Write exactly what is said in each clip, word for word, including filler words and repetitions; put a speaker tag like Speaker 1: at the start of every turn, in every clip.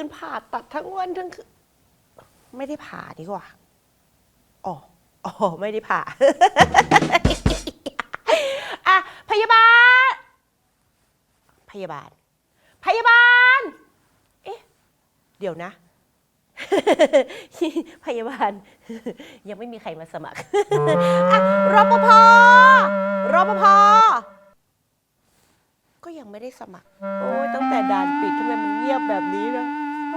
Speaker 1: นผ่าตัดทั้งวันทั้งคืนไม่ได้ผ่าดีกว่าอ๋ออ๋อไม่ได้ผ่า อ่ะพยาบาลพยาบาลพยาบาลเอ๊ะเดี๋ยวนะ พยาบาล ยังไม่มีใครมาสมัคร อ่ะรปภรปภก็ยังไม่ได้สมัครโอ้ยตั้งแต่ด่านปิดทำไมมันเงียบแบบนี้นะ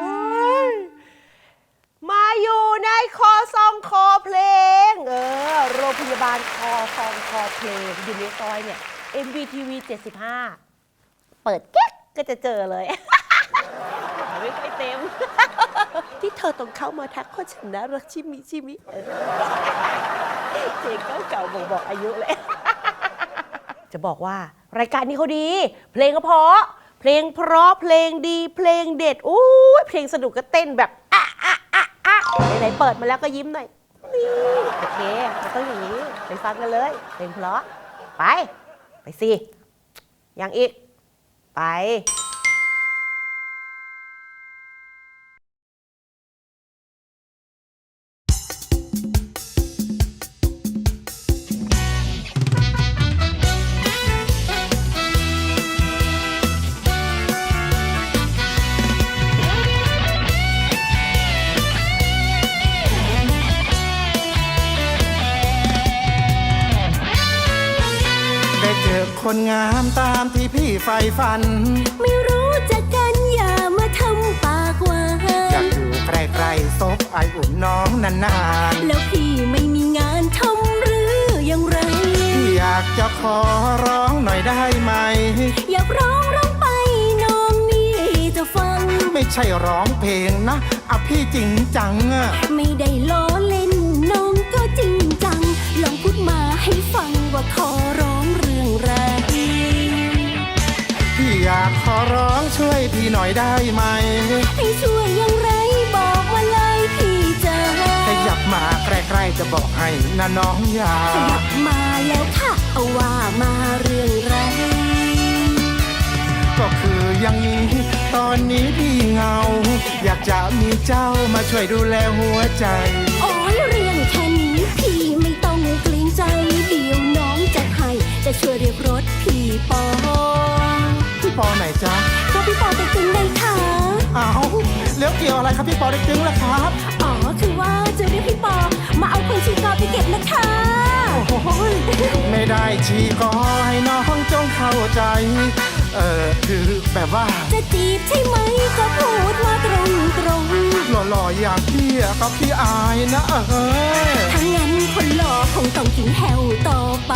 Speaker 1: มาอยู่ในคอซองคอเพลงเออโรงพยาบาลคอซองคอเพลงอยู่ในซอยเนี่ย เอ็ม วี ที วี เจ็ดสิบห้าเปิดแก๊กก็จะเจอเลย ไม่ค่อยเต็ม ที่เธอต้องเข้ามาทักข้อฉันนะรักชิมิชิมิเพลงเก่าๆบอกบอกอายุเลย จะบอกว่ารายการนี้เขาดี เพลงก็เพราะเพลงเพราะเพลงดีเพลงเด็ดอู้เพลงสนุกก็เต้นแบบอ่ะอ่ะอ่ะอ่ะไหนๆเปิดมาแล้วก็ยิ้มหน่อยนี่โอเคมันต้องอย่างนี้ไปฟังกันเลยเพลงเพราะไปไปสิยังอีกไป
Speaker 2: คนงามตามที่พี่ใฝ่ฝัน
Speaker 3: ไม่รู้จักกันอย่ามาทำปากหวาน
Speaker 2: อยากอยู่ใกล้ๆซบไออุ่นน้องนาน
Speaker 3: ๆแล้วพี่ไม่มีงานทำหรืออย่างไร
Speaker 2: พี่อยากจะขอร้องหน่อยได้ไหม
Speaker 3: อยากร้องร้องไปน้องนี่จะฟัง
Speaker 2: ไม่ใช่ร้องเพลงนะอ่ะพี่จริงจัง
Speaker 3: ไม่ได้ล้อเล่นน้องก็จริงจังลองพูดมาให้ฟังว่าขอร้องเรื่องไร
Speaker 2: พี่อยากขอร้องช่วยพี่หน่อยได้ไหม
Speaker 3: ให้ช่วยอย่างไรบอกมาเลยพี่จะ
Speaker 2: ขยับมาใกล้ๆจะบอกให้นะน้องอยาก
Speaker 3: ขยับมาแล้วค่ะเอาว่ามาเรื่องไร
Speaker 2: ก็คืออย่างนี้ตอนนี้พี่เหงาอยากจะมีเจ้ามาช่วยดูแลหัวใจ
Speaker 3: โอ้ยเรื่องแค่นี้พี่ไม่ต้องเกรงใจเดี๋ยวน้องจะให้จะช่วยเรียกรถพี่ปอ
Speaker 2: พี่ปอไหนจ๊ะ
Speaker 3: ก็พี่ปอเต็กตึงเลยค่ะ
Speaker 2: อ้าวแล้วเกี่ยวอะไรครับพี่ปอเต็กตึงล่ะครับ
Speaker 3: อ๋อคือว่าจะเรียกพี่ปอมาเอาคนชีกอไปเก็บนะคะ
Speaker 2: โอ้ยไม่ได้ชีกอให้น้องจงเข้าใจเออคือแบบว่า
Speaker 3: จะจีบใช่ไหมก็พูดมาตรงตรง
Speaker 2: หล่อๆอย่างพี่กับพี่อายนะเออ
Speaker 3: ถ้างั้นคนหล่อคงต้องกินแฮวต่อไป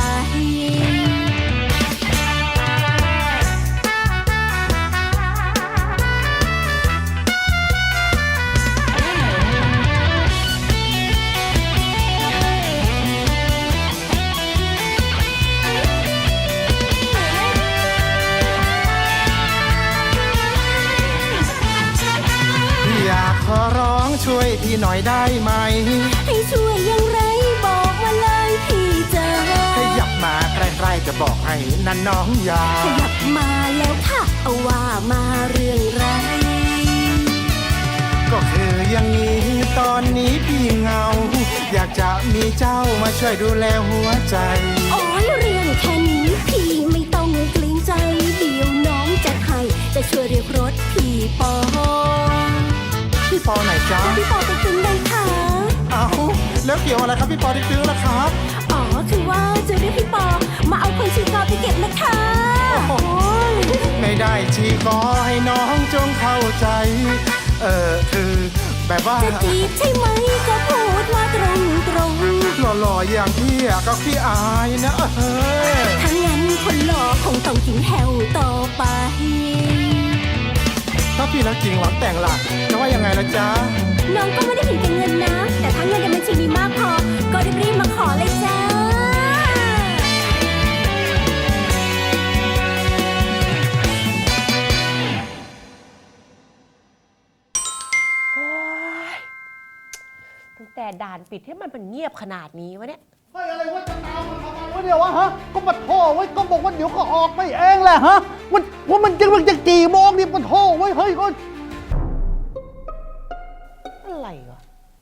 Speaker 2: ขอร้องช่วยพี่หน่อยได้ไหม
Speaker 3: ให้ช่วยอย่างไรบอกมาเลยพี่จะ
Speaker 2: ขยับมาใกล้ๆจะบอกให้นั่นน้องอยาก
Speaker 3: ขยับมาแล้วค่ะเอาว่ามาเรื่องไร
Speaker 2: ก็คืออย่างนี้ตอนนี้พี่เหงาอยากจะมีเจ้ามาช่วยดูแลหัวใจ
Speaker 3: โอ้ยเรื่องแค่นี้พี่ไม่ต้องเกรงใจเดี๋ยวน้องจะให้จะช่วยเรียกรถพี่ปอ
Speaker 2: พี่ปอไหนจ๊ะ
Speaker 3: พี่ปอติ๊กตึงเลยค่ะ
Speaker 2: อ้าวแล้วเกี่ยวอะไรครับพี่ปอติ๊กตึงล่ะครับ
Speaker 3: อ๋อคือว่าจะเรียกพี่ปอมาเอาคนชีกอไปเก็บนะคะ
Speaker 2: โอ้ยไม่ได้ชีกอให้น้องจงเข้าใจเออคือแบบว่า
Speaker 3: จะจีบใช่ไหมก็พูดมาตรงตรง
Speaker 2: หล่อๆอย่างพี่ก็พี่อายนะเออ
Speaker 3: ถ้างั้นคนหล่อคงต้องกินแฮวต่อไป
Speaker 2: ถ้าพี่รักจริงหวังแต่งหลักจะว่ายังไงล่ะจ๊ะ
Speaker 3: น้องก็ไม่ได้เห็นแก่เงินนะแต่ถ้าเงินในบัญชีมีมากพอก็รีบๆมาขอเลยจ้า
Speaker 1: ตั้งแต่ด่านปิดให้มันมันเงียบขนาดนี้วะเนี่ย
Speaker 4: เฮ้ยอะไรวะจะตามมันทำไมวะเดี๋ยววะฮะก็มาโทษไว้ก็บอกว่าเดี๋ยวก็ออกไปเองแหละฮะมันว่ามันจะมันจะกี่โมงนี่มันโทษไว้เฮ้ยก็
Speaker 1: อะไรวะ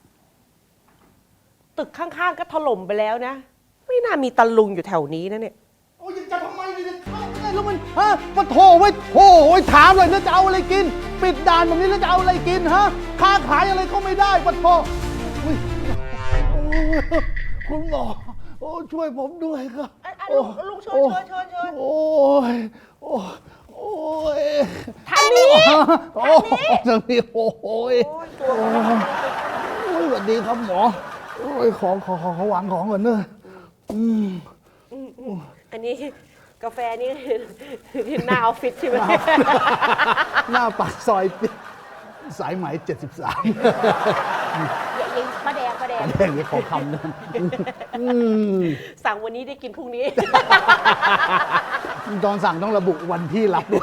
Speaker 1: ตึกข้างๆก็ถล่มไปแล้วนะ ไม่น่ามีตะลุงอยู่แถวนี้นะเนี่ย
Speaker 4: โอ้ยจะทำไมเนี่ยเข้าไม่ได้แล้วมันฮะมาโทรไว้โอ้ยถามเลยแล้วจะเอาอะไรกิน ปิดด่านแบบนี้แล้วจะเอาอะไรกินฮะค้าขายอะไรก็ไม่ได้ปะโทอุ๊ยโอ้ยคุณหมอโอ้ช่วยผมด้วยครับ
Speaker 1: อ่ะอ่ะลุงลุงเชิญ
Speaker 4: โอ้
Speaker 1: เชิญเชิญเชิญ
Speaker 4: โอ้ยโอ้ยโอ้ย
Speaker 1: ทางนี้
Speaker 4: โอ้ยทางนี้โอ้ย
Speaker 1: โอ้ยตัว
Speaker 4: โอ้ยสวัสดีครับหมอโอ้ยของขอขอขอวางของก่อนเนอะอืม
Speaker 1: อันนี้กาแฟนี่คือหน้าออฟฟิศใช่ไหม
Speaker 4: หน้าปากซอยสายไหมเจ็ดสิบสาม
Speaker 1: อย่ายิงป้าแดงป้าแดง
Speaker 4: แข่งนี้ขอคำนะอืม
Speaker 1: สั่งวันนี้ได้กินพรุ่งนี้
Speaker 4: ตอนสั่งต้องระบุวันที่รับด้วย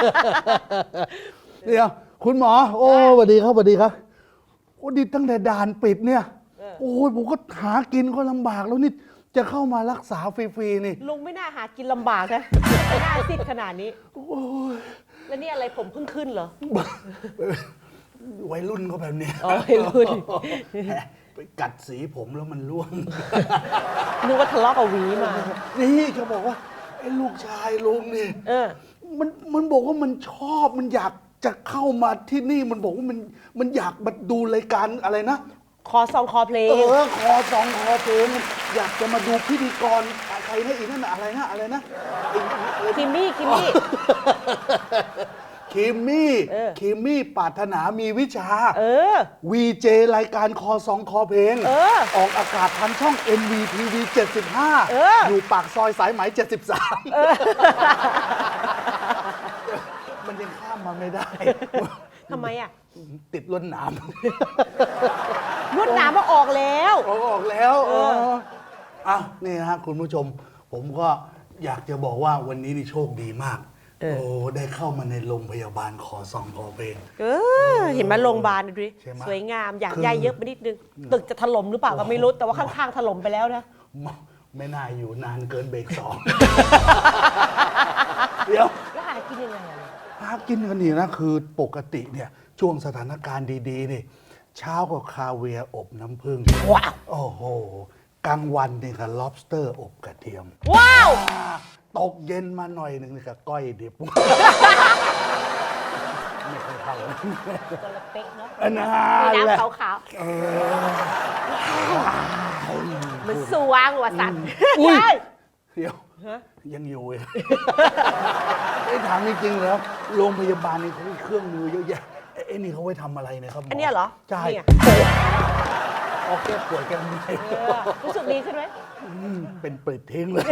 Speaker 4: เดี๋ยวคุณหมอ โอ้สวัสดีครับสวัสดีครับโอ้ดิตั้งแต่ด่านปิดเนี่ย โอ้ยผมก็หากินก็ลำบากแล้วนี่จะเข้ามารักษาฟรีๆนี่
Speaker 1: ลุงไม่น่าหากินลำบากนะไม่น่าซิดขนาดนี้
Speaker 4: โอ้ย
Speaker 1: แล้วนี่อะไรผมเพิ่งขึ้นเหรอ
Speaker 4: วัยรุ่นเขาแบบเนี้ย
Speaker 1: อ๋อวัยรุ่น
Speaker 4: ไปกัดสีผมแล้วมันร่วง
Speaker 1: นึกว่าทะเลาะกับหวีมา
Speaker 4: นี่เขาบอกว่าไอ้ลูกชายลุงนี่
Speaker 1: เออ
Speaker 4: มันมันบอกว่ามันชอบมันอยากจะเข้ามาที่นี่มันบอกว่ามันมันอยากมาดูรายการอะไรนะ
Speaker 1: คอซองคอเพลง
Speaker 4: เออคอสองคอเพลงอยากจะมาดูพิธีกรใครนะอีกนั่นน่ะอะไรนะอะไรนะไอ้อะไร
Speaker 1: คิมมี่คิมมี่
Speaker 4: คิมมี่
Speaker 1: เออ
Speaker 4: คิมมี่ปรารถนามีวิชา
Speaker 1: เออ
Speaker 4: วีเจรายการคอสองคอเพลง
Speaker 1: เออ
Speaker 4: ออกอากาศทางช่อง เอ็น วี ที วี เจ็ดสิบห้า
Speaker 1: เออ
Speaker 4: อยู่ปากซอยสายไหมเจ็ดสิบสามมันยังข้ามมาไม่ได้
Speaker 1: ทำไมอ่ะ
Speaker 4: ติดล้นหนาม
Speaker 1: ลวดหนามมาออกแล้ว
Speaker 4: ออกออกแล้ว
Speaker 1: เออ
Speaker 4: เอออ้าวนี่นะฮะคุณผู้ชม ผมก็อยากจะบอกว่าวันนี้นี่โชคดีมาก โอ้ได้เข้ามาในโรงพยาบาลขอซองขอเพลง
Speaker 1: เออ เห็นไหมโรงพยาบาลดูดิ
Speaker 4: ใช่ไหม
Speaker 1: สวยงาม อยาก
Speaker 4: คือ
Speaker 1: ย้ายเยอะไปนิดนึง ตึกจะถล่มหรือเปล่าก็ไม่รู้ แต่ว่าข้างๆถล่มไปแล้วนะ
Speaker 4: ไม่น่าอยู่นานเกินเบรกสอง เดี๋ยว
Speaker 1: แล้วหากินยังไงอะ
Speaker 4: หากินกันนี่นะคือปกติเนี่ยช่วงสถานการณ์ดีๆนี่เช้าก็คาเวียร์อบน้ำผึ้ง
Speaker 1: ว้าว
Speaker 4: โอ้โหกลางวันนี่ก็ lobster อบกระเทียม
Speaker 1: ว้าว
Speaker 4: ตกเย็นมาหน่อยหนึ่งนี่ก็ก้อยดิบ ไม่เคยเข้าเลย
Speaker 1: ตัวละเป๊กเนาะ
Speaker 4: อันนั้น
Speaker 1: มี
Speaker 4: แหละ
Speaker 1: น้ำขาวๆมันสว่างว่ะสัตว์
Speaker 4: อุ้ย
Speaker 1: ใช่
Speaker 4: เดี๋ยวยังอยู่เลย ไอ้ถามจริงๆแล้วโรงพยาบาลนี่เขามีเครื่องมือเยอะแยะไอ้ไอ้นี่เขาไว้ทำอะไรนะครับหมอ
Speaker 1: อันเนี้ยเหรอ
Speaker 4: ใช่
Speaker 1: นี่ไง
Speaker 4: ออกแก้ป่วยแก้เมื่อย
Speaker 1: เออรู้สึกดีขึ้นไหม
Speaker 4: มเป็นเปิดทิ้งเลย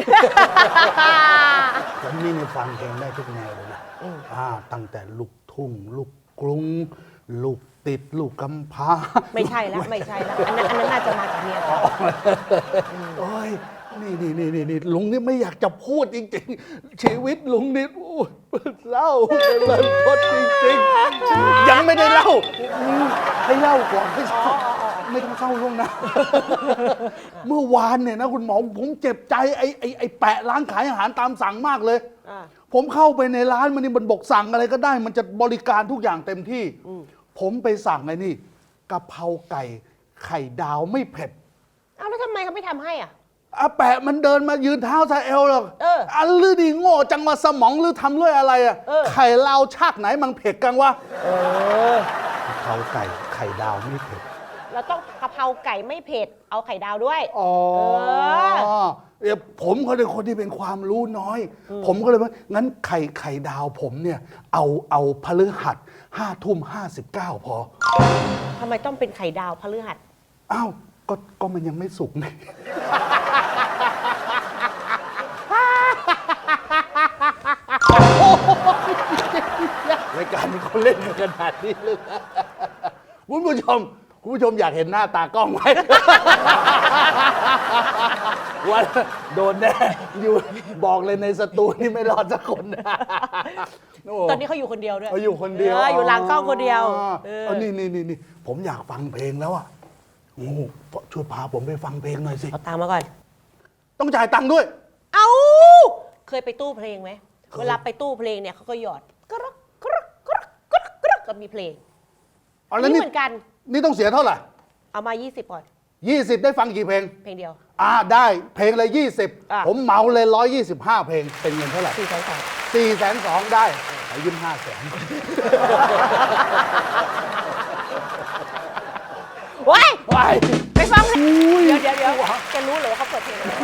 Speaker 4: ผมนี่ในฟังเพลงได้ทุกแนวเลยนะอ่าตั้งแต่ลูกทุ่ง ลูกกรุง ลูกติด ลูกกำพร้า
Speaker 1: ไม่ใช่แล้วไม่ใช่แล้วอันนั้นอันนั้นน่าจะมาจากเมียเขา
Speaker 4: โอ้ยนี่นี่นี่นี่นี่ลุงนี่ไม่อยากจะพูดจริงๆ ชีวิตลุงนี่โอ้ยเล่าเลยพดจริงๆ ยังไม่ได้เล่าอืมให้เล่าก่อนไม่เศร้าไม่ต้องเศร้าล่วงหนะ เมื่อวานเนี่ยนะคุณหมอผมเจ็บใจไอ้ไอ้ไอ้แปะร้านขายอาหารตามสั่งมากเลย
Speaker 1: อ่า
Speaker 4: ผมเข้าไปในร้านมันนี่มันบอกสั่งอะไรก็ได้ มันจะบริการทุกอย่างเต็มที่ ผมไปสั่งไอ้นี่กะเพราไก่ไข่ดาวไม่เผ็ด
Speaker 1: เอาแล้วทำไมเขาไม่ทำให้อ่ะ
Speaker 4: อาแปะมันเดินมายืนเท้าซาเอลหรอก
Speaker 1: เออ
Speaker 4: อันลือดีโง่จังว่าสมองลือทำด้วยอะไรอ่ะ
Speaker 1: เออ
Speaker 4: ไข่ลาวชาติไหนมันเผ็ดกังวะ
Speaker 1: เออก
Speaker 4: ะเพราไก่ไข่ดาวไม่เผ็ด
Speaker 1: เราต้องกะเพราไก่ไม่เผ็ด เอาไข่ดาวด้วย
Speaker 4: อ๋อ
Speaker 1: เออ
Speaker 4: เดี๋ยวผมเขาเป็นคนที่เป็นความรู้น้อย ผมก็เลยว่างั้นไข่ไข่ดาวผมเนี่ย เอาเอาพฤหัสห้าทุ่มห้าสิบเก้าพอ
Speaker 1: ทำไมต้องเป็นไข่ดาวพฤหัส
Speaker 4: อ้าวก็ก็มันยังไม่สุกนี่ รายการนี้เขาเล่นกันขนาดนี้เลยนะคุณผู้ชม คุณผู้ชมอยากเห็นหน้าตากล้องไหม วันโดนแน่อยู่บอกเลยในสตูนี่ไม่รอดสักคนนะโ
Speaker 1: ตอนนี้เขาอยู่คนเดียวด้วย
Speaker 4: เขาอยู่คนเดียว
Speaker 1: อออยู่หลังกล้องคนเดียว
Speaker 4: อ๋อ
Speaker 1: เออ
Speaker 4: เอานี่นี่นี่นี่ผมอยากฟังเพลงแล้วอ่ะโอ้โหช่วยพาผมไปฟังเพลงหน่อยสิ
Speaker 1: เอาตังค์มาก่อน
Speaker 4: ต้องจ่ายตังค์ด้วย
Speaker 1: เอาเคยไปตู้เพลงไหม
Speaker 4: เคย
Speaker 1: เวลาไปตู้เพลงเนี่ยเขาก็หยอดกรึกกรึกกรึกกรึกกรึกก็มีเพลง
Speaker 4: อ๋อแล้ว
Speaker 1: นี่
Speaker 4: นี่
Speaker 1: เหมือนกัน
Speaker 4: นี่ต้องเสียเท่าไหร่
Speaker 1: เอามา ยี่สิบก่อน
Speaker 4: ยี่สิบได้ฟังกี่เพลง
Speaker 1: เพลงเดียว
Speaker 4: อ่าได้เพลงเลยยี่สิบ
Speaker 1: อ่ะ
Speaker 4: ผมเหมาเลยร้อยยี่สิบห้าเพลงเป็นเงินเท่าไหร่
Speaker 1: สี่แสนสอง
Speaker 4: สี่แสนสองได้ขอยืมห้าแสน
Speaker 1: ว้าย
Speaker 4: ไป
Speaker 1: ไปฟังเพลงเดี๋ยวเดี๋ยวเดี๋ยวแกรู้เหรอว่าเขาเปิดเพลงอะไร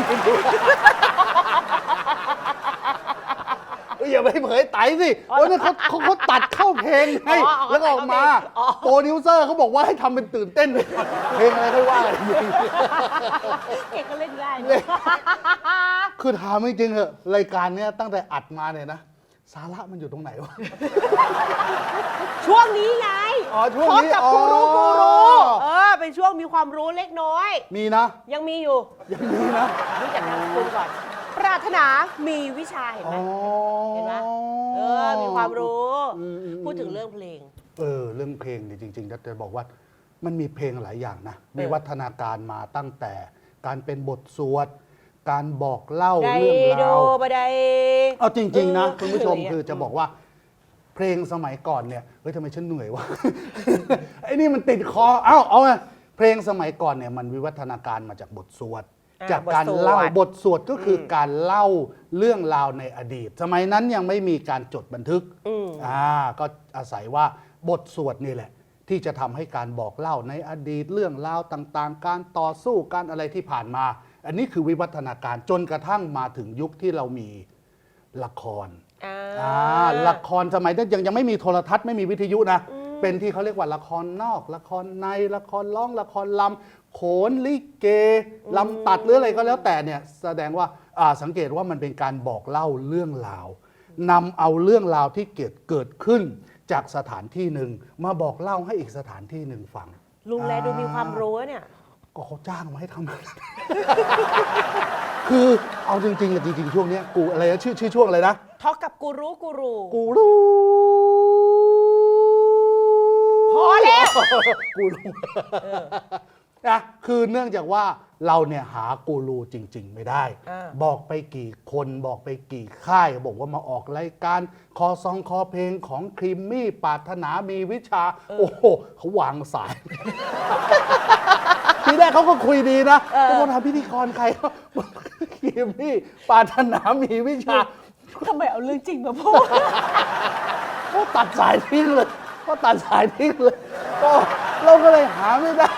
Speaker 4: เอ้ยอย่าไปเผยไตสิโอ้ยนั่นเขาเขาเขาตัดเข้าเพลงไง
Speaker 1: อ๋ออ๋อ
Speaker 4: แล้วก็ออกมา
Speaker 1: อ๋อ
Speaker 4: โปรดิวเซอร์เขาบอกว่าให้ทำเป็นตื่นเต้นไปก่อนเพลงอะไรค่อยว่ากันอีกที
Speaker 1: เก่งก็เล่นได้
Speaker 4: เล่น คือถามจริงๆเหอะรายการเนี้ยตั้งแต่อัดมาเนี่ยนะสาระมันอยู่ตรงไหนวะ
Speaker 1: ช่วงนี้ไง
Speaker 4: อ๋อช่วงนี้
Speaker 1: พบกับ
Speaker 4: อ๋อ
Speaker 1: กูรู้กูรู้เออเป็นช่วงมีความรู้เล็กน้อย
Speaker 4: มีนะ
Speaker 1: ยังมีอยู่
Speaker 4: ยังมีนะ
Speaker 1: รู้จักนามสกุลก่อน ปรารถนามีวิชาเห็นไหม
Speaker 4: อ๋อ
Speaker 1: เห็นไหมเออ มีความรู้
Speaker 4: อืมอืม
Speaker 1: พูดถึงเรื่องเพลง
Speaker 4: เออเรื่องเพลงนี่จริงๆจะบอกว่ามันมีเพลงหลายอย่างนะมีวัฒนาการมาตั้งแต่การเป็นบทสวด การบอกเล่า
Speaker 1: ได้
Speaker 4: เรื่อง
Speaker 1: โด
Speaker 4: ราว
Speaker 1: บะได
Speaker 4: เอาจริง ๆ นะ
Speaker 1: เออ
Speaker 4: คุณผู้ชม
Speaker 1: เหนื่อยอะ
Speaker 4: คือจะบอกว่า เพลงสมัยก่อนเนี่ยเฮ้ยทำไมฉันเหนื่อยวะ ไอ้นี่มันติดคอเอ้าเอาไงเพลงสมัยก่อนเนี่ยมันวิวัฒนาการมาจากบทสวด
Speaker 1: อ่า
Speaker 4: จากการ
Speaker 1: บทสวด
Speaker 4: เล่าบทสวดก็คืออการเล่าเรื่องราวในอดีต สมัยนั้นยังไม่มีการจดบันทึก
Speaker 1: อืม
Speaker 4: อ่าก็อาศัยว่าบทสวดนี่แหละ ที่จะทำให้การบอกเล่าในอดีตเรื่องราวต่างๆ การต่อสู้การอะไรที่ผ่านมา อันนี้คือวิวัฒนาการจนกระทั่งมาถึงยุคที่เรามีละคร
Speaker 1: อ่า
Speaker 4: อ่าละครสมัยนั้นยังยังไม่มีโทรทัศน์ไม่มีวิทยุนะ เป็นที่เขาเรียกว่าละครนอก ละครในละครร้องละครลำโขนลิเกลำตัดหรืออะไรก็แล้วแต่เนี่ยแสดงว่าอ่าสังเกตว่ามันเป็นการบอกเล่าเรื่องราวนำเอาเรื่องราวที่เกิดเกิดขึ้นจากสถานที่หนึ่งมาบอกเล่าให้อีกสถานที่หนึ่งฟัง
Speaker 1: ลุงแลดูมีความรู้เนี่ย
Speaker 4: ก็เขาจ้างมาให้ทำ คือเอาจริงๆอะจริงๆช่วงเนี้ยกูอะไรนะชื่อชื่อช่วงอะไรนะ
Speaker 1: ทอกกับกูรู้กูรู้
Speaker 4: กูรู้
Speaker 1: พอแล้ว
Speaker 4: กูรู้นะคือเนื่องจากว่าเราเนี่ยหากูรูจริง ๆ ไม่ได้
Speaker 1: อ่า
Speaker 4: บอกไปกี่คนบอกไปกี่ค่ายบอกว่ามาออกรายการคอซองคอเพลงของครีมมี่ปรารถนามีวิชา โอ้โหเขาวางสาย ทีแรกเขาก็คุยดีนะก็มาทำพิธีกรใคร ครีมมี่ปรารถนามีวิชา
Speaker 1: ทำไมเอาเรื่องจริงมาพูด
Speaker 4: ก็ตัดสายทิ้งเลยก็ตัดสายทิ้งเลยก็เราก็เลยหาไม่ได้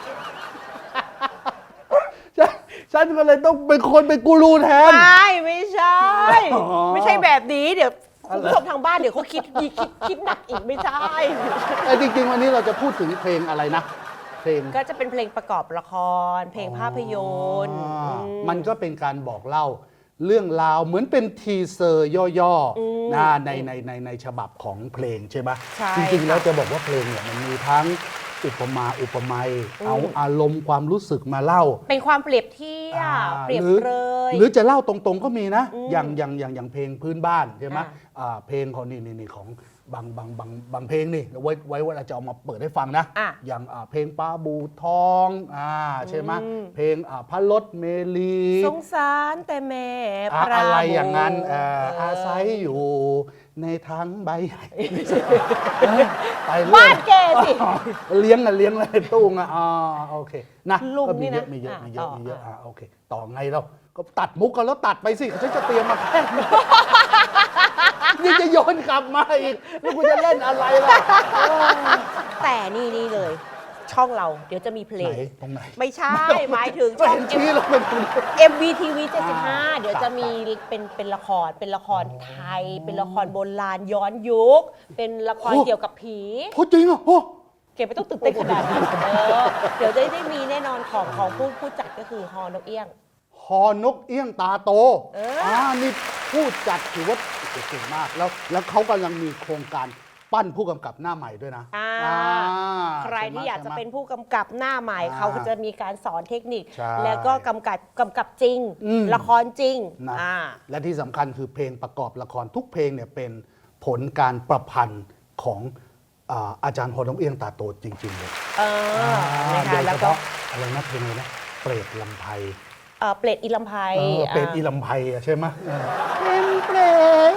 Speaker 4: ฉันฉันก็เลยต้องเป็นคนเป็นกูรูแทน
Speaker 1: ไม่ไม่ใช่
Speaker 4: อ๋อ
Speaker 1: ไม่ใช่แบบนี้เดี๋ยว
Speaker 4: อะ
Speaker 1: คุณ
Speaker 4: ไร
Speaker 1: ผู้ชมทางบ้านเดี๋ยวเขาคิดดีคิดคิดหนักอีกไม่ใช่
Speaker 4: แต่จริง ๆ วันนี้เราจะพูดถึงเพลงอะไรนะ เพลง
Speaker 1: ก็จะเป็นเพลงประกอบละคร เพลงภาพยนตร์
Speaker 4: อ่า
Speaker 1: อืม
Speaker 4: มันก็เป็นการบอกเล่าเรื่องราวเหมือนเป็นทีเซอร์ย่อๆนะในในในในฉบับของเพลงใช่ไหม
Speaker 1: ใช่
Speaker 4: จริง ๆ แล้วจะบอกว่าเพลงเนี่ยมันมีทั้งอุปมาอุปไมยเอาอารมณ์ความรู้สึกมาเล่า
Speaker 1: เป็นความเปรียบเทีย
Speaker 4: อ่า
Speaker 1: บเปรียบ
Speaker 4: หรือ
Speaker 1: เปรย
Speaker 4: หรือจะเล่าตรงๆก็มีนะ
Speaker 1: อืม
Speaker 4: อย่างอย่างอย่างอย่างเพลงพื้นบ้านใช่ไหม
Speaker 1: อ่า
Speaker 4: อ่าเพลงของนี่นี่นี่ของบางบางบางบางเพลงนี่ไว้ไว้ว่าเราจะเอามาเปิดให้ฟังนะ
Speaker 1: อ่ะ
Speaker 4: อย่างอ่าเพลงปลาบูทองอ่าใช่ไหม
Speaker 1: อืม
Speaker 4: เพลงอ่าพระรถเมลี
Speaker 1: สงสารแต่แม่
Speaker 4: อ่า
Speaker 1: ปรา
Speaker 4: อะไร
Speaker 1: โม
Speaker 4: อย่างนั้นเอ่อ
Speaker 1: เ
Speaker 4: อาศัยอยู่ในทั้งใบใหญ่เออไปเรื่อย
Speaker 1: บ้านแกสิ
Speaker 4: อ๋อเลี้ยงอะเลี้ยงอะไรตู้งอะอ๋อโอเคนะ
Speaker 1: ลุง
Speaker 4: ก็มี
Speaker 1: นี่
Speaker 4: เย
Speaker 1: นะ
Speaker 4: อะมีเยอะ
Speaker 1: อ่ะ
Speaker 4: มีเยอะ
Speaker 1: ต่อ
Speaker 4: มีเยอะ
Speaker 1: อ่ะ
Speaker 4: อ่ะโอเค ต่อไงเราก็ตัดมุกกันแล้วตัดไปสิฉันจะเตรียมมาแค่นี้ นี่จะโยนกลับมาอีกแล้วกูจะเล่นอะไรล่ะเออ
Speaker 1: แต่นี่นี่เลย ช่องเราเดี๋ยวจะมีเพล
Speaker 4: ไหน
Speaker 1: ง
Speaker 4: ตรงไหน
Speaker 1: ไม่ใช่ หมายถึง
Speaker 4: ก็
Speaker 1: ช่อง
Speaker 4: เห็นชี้เราเป็นคน
Speaker 1: เอ็ม วี ที วี เจ็ดสิบห้า
Speaker 4: อ่า
Speaker 1: เดี๋ยวจะมีเป็นเป็นละครเป็นละครไทย เป็นละครโบราณย้อนยุค เป็นละครเกี่ยวกับผี
Speaker 4: โอ้จริงเหรอโอ้
Speaker 1: เก็บไม่ต้องตื่นเต้นขนาดนั้นเออเดี๋ยวได้ได้มีแน่นอนของของผู้ผู้จัดก็คือฮอนกเอี้ยง
Speaker 4: ฮอนกเอี้ยงตาโต
Speaker 1: เอออ่
Speaker 4: อ่านี่ผู้จัดถือว่าเก่งมาก แล้วแล้วเขากำลังมีโครงการปั้นผู้กำกับหน้าใหม่ด้วยนะ
Speaker 1: อ่า
Speaker 4: อ่า
Speaker 1: ใครที่อยากจะ
Speaker 4: ใช่ไหม
Speaker 1: เป็นผู้กำกับหน้าใหม่
Speaker 4: อ่า
Speaker 1: เขาก็จะมีการสอนเทคนิค
Speaker 4: ใช่
Speaker 1: แล้วก็กำกับกำกับจริง
Speaker 4: อืม
Speaker 1: ละครจริง
Speaker 4: นะ
Speaker 1: อ่า
Speaker 4: และที่สำคัญคือเพลงประกอบละครทุกเพลงเนี่ยเป็นผลการประพันธ์ของอ่าอาจารย์ฮอนกเอี้ยงตาโตจริง ๆ เลย
Speaker 1: เออนะ
Speaker 4: โด
Speaker 1: คะ
Speaker 4: ย
Speaker 1: แล้
Speaker 4: เฉ
Speaker 1: วก็
Speaker 4: พาะอะไรนะเพลงอะไรนะเปรตลำไพ
Speaker 1: เอ่อเปรตอีลำไพ
Speaker 4: เออเปรตอี
Speaker 1: อ่า
Speaker 4: ลำไพอะใช่ไหมเออเป็นเปรต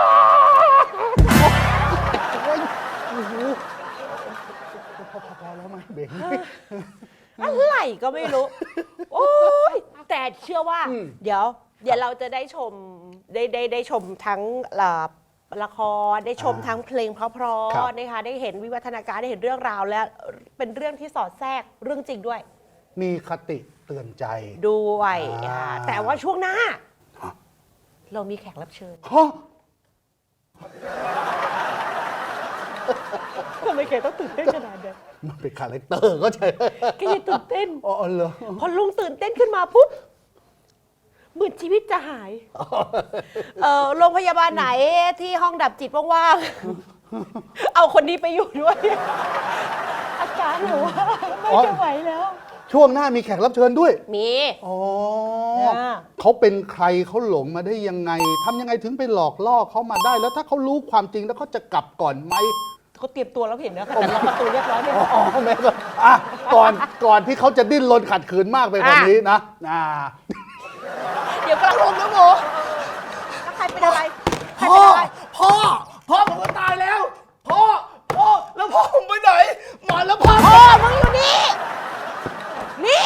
Speaker 4: โอ้ยโอ้โหพอพอพอแล้วเบง
Speaker 1: อะไรก็ไม่รู้ โอ้ยแต่เชื่อว่า
Speaker 4: อืม
Speaker 1: เดี๋ยว เดี๋ยวเราจะได้ชมได้ได้ได้ชมทั้งละละครได้ชมทั้งเพลงเพราะ
Speaker 4: ครับ
Speaker 1: ๆนะคะได้เห็นวิวัฒนาการได้เห็นเรื่องราวและเป็นเรื่องที่สอดแทรกเรื่องจริงด้วย
Speaker 4: มีคติเตือนใจ
Speaker 1: ด้วย
Speaker 4: อ่า
Speaker 1: อ่าแต่ว่าช่วงหน้า
Speaker 4: ฮะ
Speaker 1: เรามีแขกรับเชิญ
Speaker 4: ฮะ
Speaker 1: ทำไมแกต้องตื่นเต้นขนาดนั้น
Speaker 4: มันเป็นคาแรคเตอร์ก็ใช่
Speaker 1: แกอยังตื่นเต้น
Speaker 4: อ๋อเหรอ
Speaker 1: พอลุงตื่นเต้นขึ้นมาปุ๊บเหมือนชีวิตจะหาย เออโรงพยาบาลไหนที่ห้องดับจิตว่างๆ เอาคนนี้ไปอยู่ด้วย อาการหนูว่าไม่จะไหวแล้ว
Speaker 4: ช่วงหน้ามีแขกรับเชิญด้วย
Speaker 1: มี
Speaker 4: อ๋อ
Speaker 1: อ่า
Speaker 4: เขาเป็นใครเขาหลงมาได้ยังไงทำยังไงถึงไปหลอกล่อเขามาได้ แล้วถ้าเขารู้ความจริงแล้วเขาจะกลับก่อนไหม
Speaker 1: เขาเตรียมตัวแล้วเห็นนะแต่ล็อกประตูเรียบร้อยเนี่ย
Speaker 4: อ๋อแม่ก็อ่ะก่อนก่อนที่เขาจะดิ้นรนขัดขืนมากไปกว่านี้นะอ่า
Speaker 1: เดี๋ยวกำลังลงนะโมแล้วใครเป็นอะไรใคร
Speaker 5: พ่
Speaker 1: เป็
Speaker 5: อน
Speaker 1: อะไร
Speaker 5: พ่อ พ่อผมก็ตายแล้ว พ่อ พ่อ แล้วพ่อผมไปไหนหมอแล้วพ่อ
Speaker 1: พ่อมึงอยู่นี่ นี่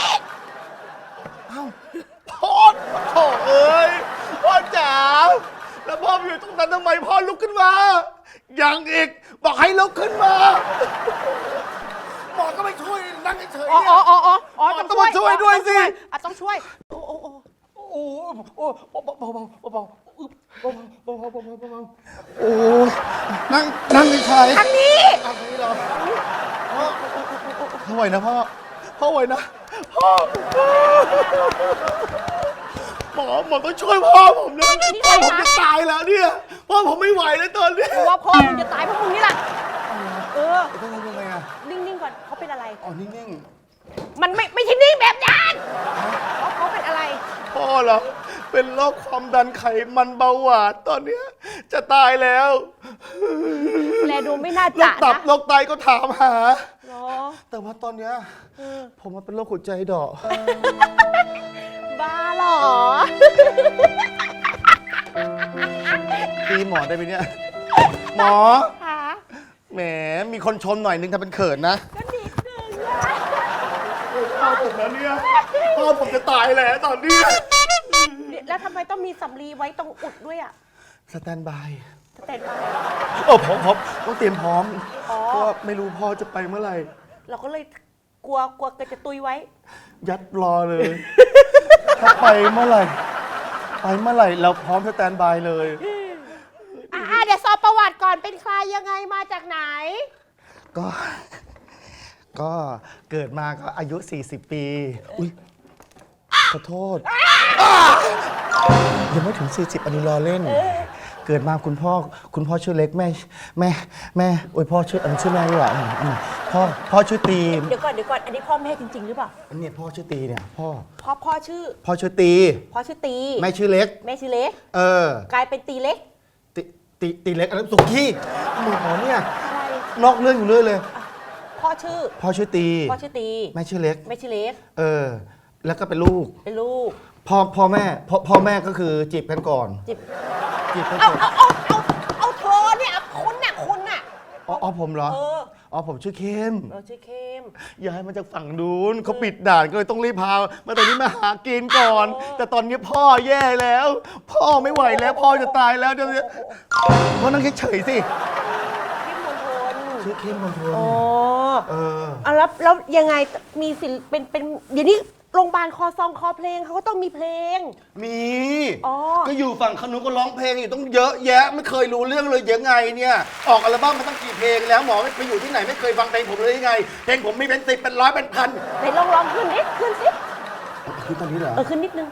Speaker 5: พ่อโถ่เอ้ย พ่อจ๋า แล้วพ่ออยู่ตรงนั้นทำไมพ่อลุกขึ้นมา ยังอีก บอกให้ลุกขึ้นมา หมอก็ไม่ช่วยนั่งเฉยๆ
Speaker 1: อ๋อ
Speaker 5: เนี่ย
Speaker 1: อ๋ออ๋ออ๋อ
Speaker 5: ต้องมาช่วยด้วยสิ
Speaker 1: อ่ะต้องช่วยโอ้โอ้โอ้
Speaker 5: โอ้โหเบาๆเบาๆเบาๆอึ๊บเบาๆเบาๆเบาๆเบาๆ
Speaker 4: โอ้นั่งนั่งเฉย
Speaker 1: ทางนี้
Speaker 5: ทำนี้เหรอพ่อพ่อไหวนะพ่อ พ่อไหวนะ พ่อ หมอหมอต้องช่วยพ่อผมนะ
Speaker 1: นี่
Speaker 5: พ่อ
Speaker 1: ใคร
Speaker 5: ผม
Speaker 1: คะ
Speaker 5: จะตายแล้วเนี่ย พ่อผมไม่ไหวแล้วตอนนี้
Speaker 1: กูว่าพ่อมึงจะตายเพราะมึงนี่แหละเออ
Speaker 4: ๆต้องทำยังไงอ่ะ
Speaker 1: นิ่งๆก่อนเขาเป็นอะไร
Speaker 4: อ๋อนิ่ง
Speaker 1: มันไม่ไม่ใช่นิ่งแบบนั้นเขาเขาเป็นอะไร
Speaker 5: พ่อเหรอ เป็นโรคความดันไขมันเบาหวานตอนเนี้ยจะตายแล้ว
Speaker 1: แลดูไม่น่า
Speaker 5: โร
Speaker 1: จะ
Speaker 5: คตับ
Speaker 1: นะ
Speaker 5: โรคไตก็ถามหา
Speaker 1: เหรอ
Speaker 5: แต่ว่าตอนเนี้ยผมมันเป็นโรคหัวใจดอก
Speaker 1: บ้าเหรอ
Speaker 5: ตีหมอได้ไหมเนี่ย หมอ
Speaker 1: คะ
Speaker 5: แหม มีคนชมหน่อยนึงทำเป็นเขินนะ
Speaker 1: ก็นิดนึงอะ
Speaker 5: พ่อผมแล้วเนี่ย พ่อผมจะตายแล้วตอนนี้
Speaker 1: แล้วทำไมต้องมีสำลีไว้ตรงอุดด้วยอ่ะ
Speaker 5: สแตนบาย
Speaker 1: สแตนบาย
Speaker 5: โอ้พร้อมพร้อมต้องเตรียมพร้อม
Speaker 1: อ๋อ
Speaker 5: เพราะว่าไม่รู้พ่อจะไปเมื่อไหร่
Speaker 1: เราก็เลยกลัวกลัวเกิดจะตุยไว้
Speaker 5: ยัดรอเลย ถ้าไปเมื่อไหร่ ไปเมื่อไหร่เราพร้อมสแตนบายเลย
Speaker 1: อ่าเดี๋ยวสอบประวัติก่อนเป็นใครยังไงมาจากไหน
Speaker 5: ก็ ก็เกิดมาก็อายุ สี่สิบ ปี อุ้ยขอโทษ ยังไม่ถึง สี่สิบ อันนี้รอเล่น เกิดมาคุณพ่อ คุณพ่อชื่อเล็กแม่ แม่ แม่โอ้ยพ่อชื่ออันนชื่อแม่ดีกว่าอืมอืมพ่อ พ่อชื่อตีม
Speaker 1: เดี๋ยวก่อนเดี๋ยวก่อนอันนี้พ่อแม่จริง ๆ หรือเปล่า
Speaker 5: อันนี้พ่อชื่อตีเนี่ย พ่อ
Speaker 1: พ่อพ่อชื่อ
Speaker 5: พ่อชื่อตี
Speaker 1: พ่อชื่อตี
Speaker 5: แม่ชื่อเล็ก
Speaker 1: แม่ชื่อเล็ก
Speaker 5: เออ
Speaker 1: กลายเป็นตีเล็ก
Speaker 5: ตีตีตีเล็กอันนั้นสุกี้หมอเนี่ย
Speaker 1: อะไร
Speaker 5: นอกเรื่องอยู่เรื่อยเลย
Speaker 1: พ่อชื่อ
Speaker 5: พ่อชื่อตี
Speaker 1: พ่อชื่อตี
Speaker 5: แม่ชื่อเล็ก
Speaker 1: แม่ชื่อเล็ก
Speaker 5: เออ แล้วก็เป็นลูก
Speaker 1: เป็นลูก
Speaker 5: พ่อพ่อแม่พ่อพ่อแม่ก็คือจีบกันก่อน
Speaker 1: จิบ
Speaker 5: จีบกัน
Speaker 1: เอา
Speaker 5: ก่อน
Speaker 1: เอาเอาเอาเอาเธอเนี่ยคุณน่ะคุณน่ะ
Speaker 5: อ๋ออ๋อผมเหรอ
Speaker 1: เออ
Speaker 5: อ๋อผมชื่อเข้ม
Speaker 1: เราชื่อเข้ม
Speaker 5: ย้ายมาจากฝั่งนู้นเขาปิดด่านก็เลยต้องรีบพามาตอนนี้มาหากินก่อน
Speaker 1: โอ้
Speaker 5: แต่ตอนนี้พ่อแย่แล้ว พ่อไม่ไหวแล้ว พ่อจะตายแล้วเดี๋ยวนี้พ่อนั่งเฉยๆสิ
Speaker 1: เข้มมณฑล
Speaker 5: ชื่อเข้มมณฑล
Speaker 1: อ๋อ
Speaker 5: เออ
Speaker 1: เอาแล้วแล้วยังไงมีศิลป์เป็นเป็นเดี๋ยวนี้โรงพยาบาลคอซองคอเพลงเขาก็ต้องมีเพลง
Speaker 5: มี
Speaker 1: อ๋อ
Speaker 5: ก็อยู่ฝั่งขนุนก็ร้องเพลงอยู่ต้องเยอะแยะ ไม่เคยรู้เรื่องเลยยังไงเนี่ย ออกอัลบั้มมาตั้งกี่เพลงแล้วหมอไม่ไปอยู่ที่ไหนไม่เคยฟังเพลงผมเลยยังไง เพลงผมมีเป็นสิบเป็นร้อยเป็นพัน
Speaker 1: ไหนลองลองขึ้นนิดขึ้นสิ
Speaker 5: คือตอนนี้เหรอ
Speaker 1: เออขึ้นนิดนึง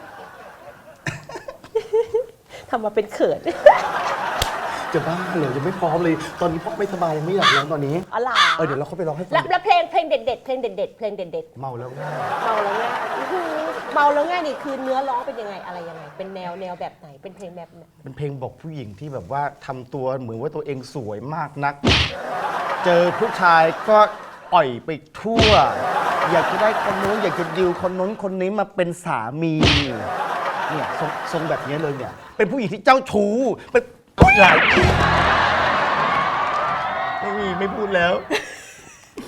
Speaker 1: ทำมาเป็นเขิน
Speaker 5: จะบ้าเหรอยังไม่พร้อมเลย ตอนนี้พ่อไม่สบายยังไม่อยากร้องตอนนี้
Speaker 1: อ๋อเหรอ
Speaker 5: เออเดี๋ยวเราเข้าไปร้องให้ฟั
Speaker 1: แล้ว
Speaker 5: ง
Speaker 1: แล้วเพลงเพลงเด็ดๆเพลงเด็ดๆเพลงเด็ดๆ
Speaker 5: เมาแล้วง่าย
Speaker 1: เมาแล้วง่ายอื้อหือเมาแล้วง่ายนี่คือเนื้อร้องเป็นยังไงอะไรยังไง เป็นแนวแนวแบบไหนเป็นเพลงแบบไหน
Speaker 5: เป็นเพลงบอกผู้หญิงที่แบบว่าทำตัวเหมือนว่าตัวเองสวยมากนัก เจอผู้ชายก็อ่อยไปทั่ว อยากจะได้คนนู้นอยากจะดิวคนนู้นคนนี้มาเป็นสามี เนี่ยทรงทรงแบบนี้เลยเนี่ย เป็นผู้หญิงที่เจ้าชู้เป็นหลายไม่มีไม่พูดแล้ว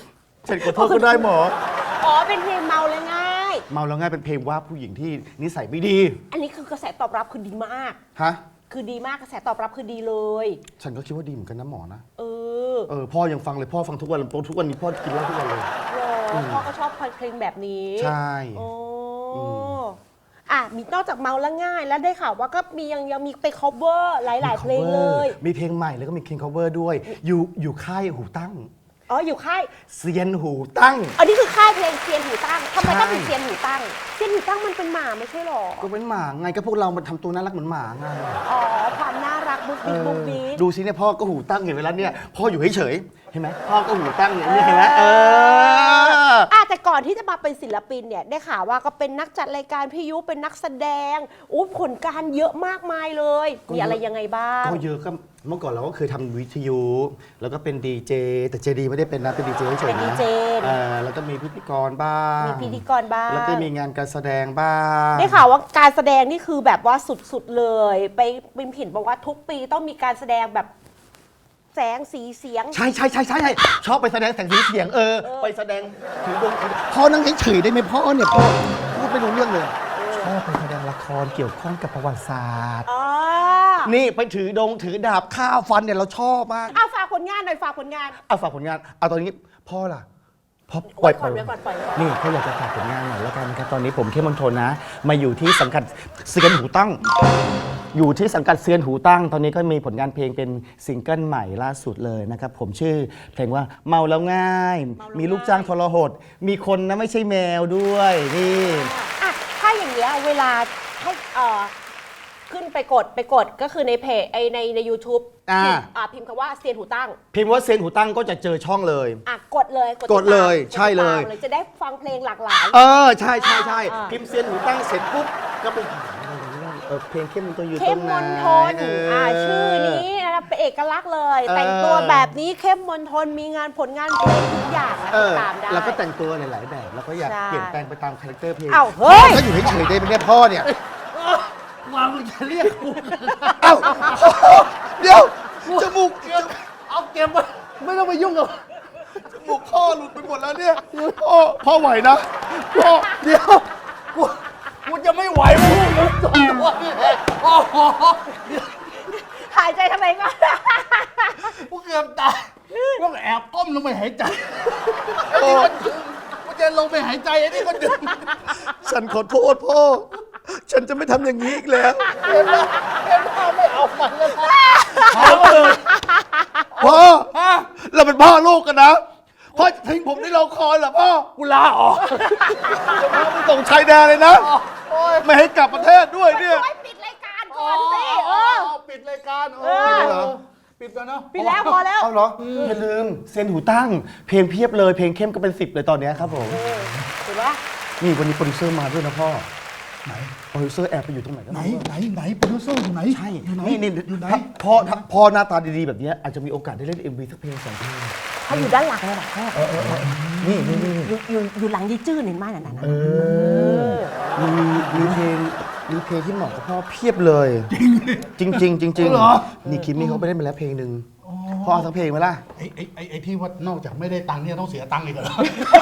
Speaker 5: ฉันขอโทษก็ได้หมอ
Speaker 1: อ๋อเป็นเพลงเมาแล้วง่าย
Speaker 5: เมาแล้วง่ายเป็นเพลงว่าผู้หญิงที่นิสัยไม่ดี
Speaker 1: อันนี้คือกระแสตอบรับคือดีมาก
Speaker 5: ฮะ
Speaker 1: คือดีมากกระแสตอบรับคือดีเลย
Speaker 5: ฉันก็คิดว่าดีเหมือนกันนะหมอนะ
Speaker 1: เออ
Speaker 5: เออพ่อยังฟังเลยพ่อฟังทุกวันทุกวันนี้พ่อกินเหล้าทุกวันเลย
Speaker 1: โอ้พ่อก็ชอบเพลงแบบนี้
Speaker 5: ใช่
Speaker 1: โอ้
Speaker 5: อืม
Speaker 1: อ่ะมีนอกจากเมาแล้วง่าย แล้วได้ข่าวว่าก็มียังยังมีไป cover หลาย ๆ เพลงเลย
Speaker 5: มีเพลงใหม่แล้วก็มีเพลง cover ด้วย อยู่อยู่ค่ายหูตั้ง
Speaker 1: อ๋ออยู่ค่าย
Speaker 5: เซียนหูตั้ง
Speaker 1: อันนี้คือค่ายเพลงเซียนหูตั้งทำไม
Speaker 5: ใช่
Speaker 1: ต้องเป็นเซียนหูตั้งเซียนหูตั้งมันเป็นหมาไม่ใช่หรอ
Speaker 5: ก็เป็นหมาไงก็พวกเรามันทำตัวน่ารักเหมือนหมาไง
Speaker 1: อ๋อความน่ารักบุ๊ก
Speaker 5: เอ
Speaker 1: บิ๊ก
Speaker 5: อ
Speaker 1: บุ๊กบิ๊ก
Speaker 5: ดูสิเนี่ยพ่อก็หูตั้งเห็นเวลาเนี่ยพ่ออยู่เฉยๆเห็นไหมพ่อก็หูตั้งอย่างนี้เห็นไหมเออ
Speaker 1: อ่ะแต่ก่อนที่จะมาเป็นศิลปินเนี่ยได้ข่าวว่าก็เป็นนักจัดรายการพิยุเป็นนักแสดงอู้ผลการเยอะมากมายเลย
Speaker 5: ก็
Speaker 1: มี
Speaker 5: เยอะ
Speaker 1: อะไรยังไงบ้าง
Speaker 5: ก็เยอะก็เมื่อก่อนเราก็เคยทำวิทยุ แล้วก็เป็นดีเจแต่เจดีไม่ได้เป็นนะเป็นดีเจเฉยๆนะ
Speaker 1: เป็นดีเจ
Speaker 5: เออแล้วก็มีพิธีกรบ้าง
Speaker 1: มีพิธีกรบ้าง
Speaker 5: แล้วก็มีงานการแสดงบ้าง
Speaker 1: ได้ข่าวว่าการแสดงนี่คือแบบว่าสุดๆเลย ไปบิมผินบอกว่าทุกปีต้องมีการแสดงแบบแสงสีเสียง
Speaker 5: ใช่ใช่ใช่ใช่ใช่ชอบไปแสดงแสงสีเสียงเออ ไปแสดงถือดวงถือพ่อนั่งเฉยๆได้ไหมพ่อเนี่ยพ่อพูดไม่รู้เรื่องเลย ชอบไปแสดงละครเกี่ยวข้องกับประวัติศาสตร์
Speaker 1: อ๋อ
Speaker 5: นี่ไปถือดงถือดาบฆ่าฟันเนี่ยเราชอบมาก
Speaker 1: เอาฝากผลงานหน่อยฝากผลงาน
Speaker 5: เอาฝากผลงานเอาตอนนี้พ่อล่ะพ่อปล่อย
Speaker 1: ก่อนเดี๋ยวก่อนปล่อยก่อน
Speaker 5: นี่เขาอยากจะฝากผลงานหน่อยแล้วกันครับตอนนี้ผมเข้มมณฑลนะ มาอยู่ที่สังกัดเซียนหูตั้ง อยู่ที่สังกัดเซียนหูตั้ง ตอนนี้ก็มีผลงานเพลงเป็นซิงเกิลใหม่ล่าสุดเลยนะครับผมชื่อเพลงว่าเมาแล้วง่าย มีลูกจ้างทรหดมีคนนะไม่ใช่แมวด้วยนี่
Speaker 1: อ่ะถ้าอย่างเงี้ยเวลาให้เอ่อขึ้นไปกดไปกดก็คือในเพจไอในใน YouTube
Speaker 5: อ่า
Speaker 1: พิมพ์อ่าพิมพ์คำว่าเซียนหูตั้ง
Speaker 5: พิมพ์ว่าเซียนหูตั้งก็จะเจอช่องเลย
Speaker 1: อ่ะกดเลย
Speaker 5: กดเลย
Speaker 1: ติตาม
Speaker 5: ใช่เลย
Speaker 1: กดติดตามจะได้ฟังเพลงหลากหลาย
Speaker 5: เออใช่ใช่ใช่
Speaker 1: อ่า
Speaker 5: พิมพ์เซียนหูตั้งเสร็จปุ๊บก็ไปหาเออเพลงเข้มมณฑลอยู่ต
Speaker 1: เข้
Speaker 5: ร
Speaker 1: ม
Speaker 5: งไหน
Speaker 1: มนทน
Speaker 5: เ
Speaker 1: อ่าชื่อนี้นะครับเป็นเอกลักษณ์เลย
Speaker 5: เออ
Speaker 1: แต่งตัวแบบนี้เข้มมนทนมีงานผลงานเพลงทุกอย่างนะ
Speaker 5: เอ
Speaker 1: ติ
Speaker 5: อ
Speaker 1: ดตามได้
Speaker 5: แล้วก็แต่งตัวหลาย ๆ แบบ แล้วก็อยาก
Speaker 1: ใช่
Speaker 5: เปลี่ยนแปลงไปตามคาแรคเตอร์เพลง
Speaker 1: อ้าวเฮ้ย
Speaker 5: ถ้าอยู่เฉยๆได้ไหมเนี่ยพ่อเนี่ย
Speaker 4: มามึงจะเรียกกู
Speaker 5: เอ้าเดี๋ยวจมูก
Speaker 4: เอาเก็บไว้ไม่ต้องไปยุ่งกับ
Speaker 5: จมูกพ่อหลุดไปหมดแล้วเนี่ยพ่อพ่อไหวนะพ่อ
Speaker 4: เดี๋ยวกูกูจะไม่ไหวมึงเลยตัวตัวนี่แหละโอ้โห
Speaker 1: หายใจทำไมก่อน
Speaker 4: กูเกือบตายต้องแอบก้มลงไปหายใจไอ้นี่มันดึงกูจะลงไปหายใจไอ้นี่มันดึง
Speaker 5: ฉันขอโทษพ่อ ฉันจะไม่ทำอย่างนี้อีกแล้ว
Speaker 4: เห็นไหมเห็นไหมไม่เอามันแล้วนะ
Speaker 5: พ่อพ่อ
Speaker 4: ฮะ
Speaker 5: เราเป็นพ่อลูกกันนะพ่อจะทิ้งผมในละครเหรอพ่อ
Speaker 4: กูลาออก
Speaker 5: พ่อไปส่งชายแดนเลยนะ
Speaker 4: โอ้ย
Speaker 5: ไม่ให้กลับประเทศด้วยเนี่ย
Speaker 1: ช่วยปิดรายการก่อนสิเออ
Speaker 4: ปิดรายการ
Speaker 1: เออ
Speaker 4: ปิดเหรอปิดแล้วเนาะ
Speaker 1: ปิดแล้วพอแล้ว
Speaker 5: เอาเหรออย่าลืมเซียนหูตั้ง เพลงเพียบเลยเพลงเข้มก็เป็นสิบเลยตอนเนี้ยครับผม
Speaker 1: เห็นปะ
Speaker 5: นี่วันนี้โปรดิวเซอร์มาด้วยนะพ่อไหนโปรดิวเซอร์แอบไปอยู่ตรงไหนก็
Speaker 4: ไหน
Speaker 5: ไม่รู้
Speaker 4: ไหนไหนโปรดิวเซอร์อยู่ไหน
Speaker 5: ใช่
Speaker 4: อยู่ไหน
Speaker 5: นี่นี่
Speaker 4: อยู่ไหน
Speaker 5: ถ้าพ่อถ้าพ่อหน้าตาดีๆแบบเนี้ยอาจจะมีโอกาสได้เล่น เอ็ม วี สักเพลงสองเพลง
Speaker 1: เขาอยู่ด้านหลังเลยเหรอพ่อ
Speaker 5: นี่นี่นี่
Speaker 1: อยู่อยู่อยู่หลังยี่จื้อเห็นไหมนั่นน่ะ
Speaker 5: เออมีมีเพลงมีเพลงที่เหมาะกับพ่อเพียบเลยจริงจริงๆจริง
Speaker 4: เหรอ
Speaker 5: ๆนี่คิมมี่เขาไปเล่นมาแล้วเพลงหนึ่งพ่อเอาสักเพลงไหมล่ะ
Speaker 4: ไอ้ไอ้ไอ้ไอ้ที่ว่านอกจากไม่ได้ตังค์เนี่ยต้องเสียตังค์อีกเหรอ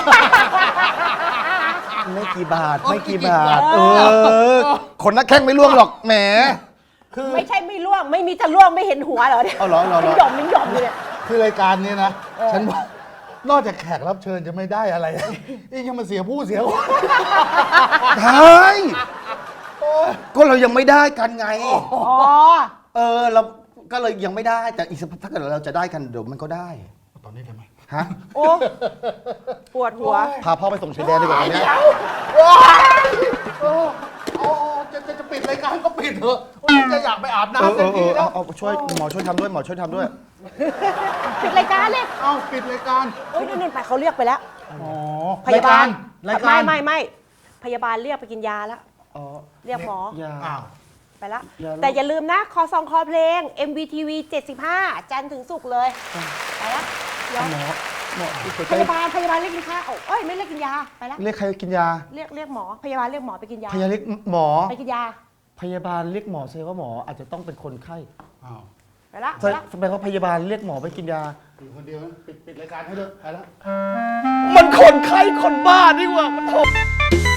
Speaker 5: ไม่กี่บาท
Speaker 4: โอ้ย
Speaker 5: ไม่กี่
Speaker 4: ไม่กี่
Speaker 5: บาท
Speaker 4: บาท
Speaker 5: เออคนนักแข้งไม่ล่วงหรอกแหม
Speaker 1: ไม่ใช่ไม่ล่วงไม่มีจะล่วงไม่เห็นหัวเหรอเนี่ย
Speaker 5: เอาเหรอเหรอเหรอ
Speaker 1: มันหย่อมมันหย่อมอยู่เนี่ย
Speaker 4: คือรายการนี้นะ ฉันว่านอกจากแขกรับเชิญจะไม่ได้อะไร นี่ยังมาเสียผู้เสียคน
Speaker 5: ใช่ก็เรายังไม่ได้กันไง
Speaker 1: อ๋อ
Speaker 5: เออเราก็เลยยังไม่ได้แต่อีกสักพักถ้าเกิดเราจะได้กันเดี๋ยวมันก็ได้
Speaker 4: ตอนนี้ได้ไหม
Speaker 5: ฮะ
Speaker 1: โอ้ปวดหัว
Speaker 5: พาพ่อไปส่งชายแดนดีกว่าวันเนี้ย
Speaker 4: โอ้โอ้โอ้จะจะจะปิดรายการก็ปิดเถอะโอ้ยจะอยากไปอาบ
Speaker 5: เออ
Speaker 4: น้ำ
Speaker 5: เอ
Speaker 4: เต็ม
Speaker 5: อเอ
Speaker 4: ที่
Speaker 5: อ
Speaker 4: แล้
Speaker 5: เอา
Speaker 4: ว
Speaker 5: เอาช่วยหมอช่วยทำด้วยหมอช่วยทำด้วย
Speaker 1: ปิดรายการเลย
Speaker 4: เอาปิดรายการ
Speaker 1: โอ้ยนั่นๆไปเขาเรียกไปแล้ว
Speaker 4: อ๋อ
Speaker 1: พยาบาล
Speaker 4: รายการ
Speaker 1: ไม่ไม่ไม่พยาบาลเรียกไปกินยาแล้ว
Speaker 5: อ๋อ
Speaker 1: เรียกหมอ
Speaker 5: ยา
Speaker 4: อ้าว
Speaker 1: ไปแล้ว
Speaker 5: อย่าลืม
Speaker 1: แต่อย่าลืมนะคอซองคอเพลง เอ็ม วี ที วี เจ็ดสิบห้า จันทร์ถึงศุกร์เลย ไปแล้วเดี๋ยว
Speaker 5: หมอหมอ
Speaker 1: พยาบาลพยาบาลเรียกกินข้าวเอ้ยไม่เรียกกินยาไปแล้ว
Speaker 5: เรียกใครกินยา
Speaker 1: เรียกเรียกหมอพยาบาลเรียกหมอไปกินยา
Speaker 5: พยาเรียกหมอ
Speaker 1: ไปกินยา
Speaker 5: พยาบาลเรียกหมอแสดงว่าหมออาจจะต้องเป็นคนไข้
Speaker 4: อ้าว
Speaker 1: ไปละไปละ
Speaker 5: ทำไมเขาพยาบาลเรียกหมอไปกินยา
Speaker 4: อยู่คนเดียวนะปิดปิดรายการให้เถอะไปแล้ว
Speaker 5: มันคนไข้คนบ้านี่หว่ามันโท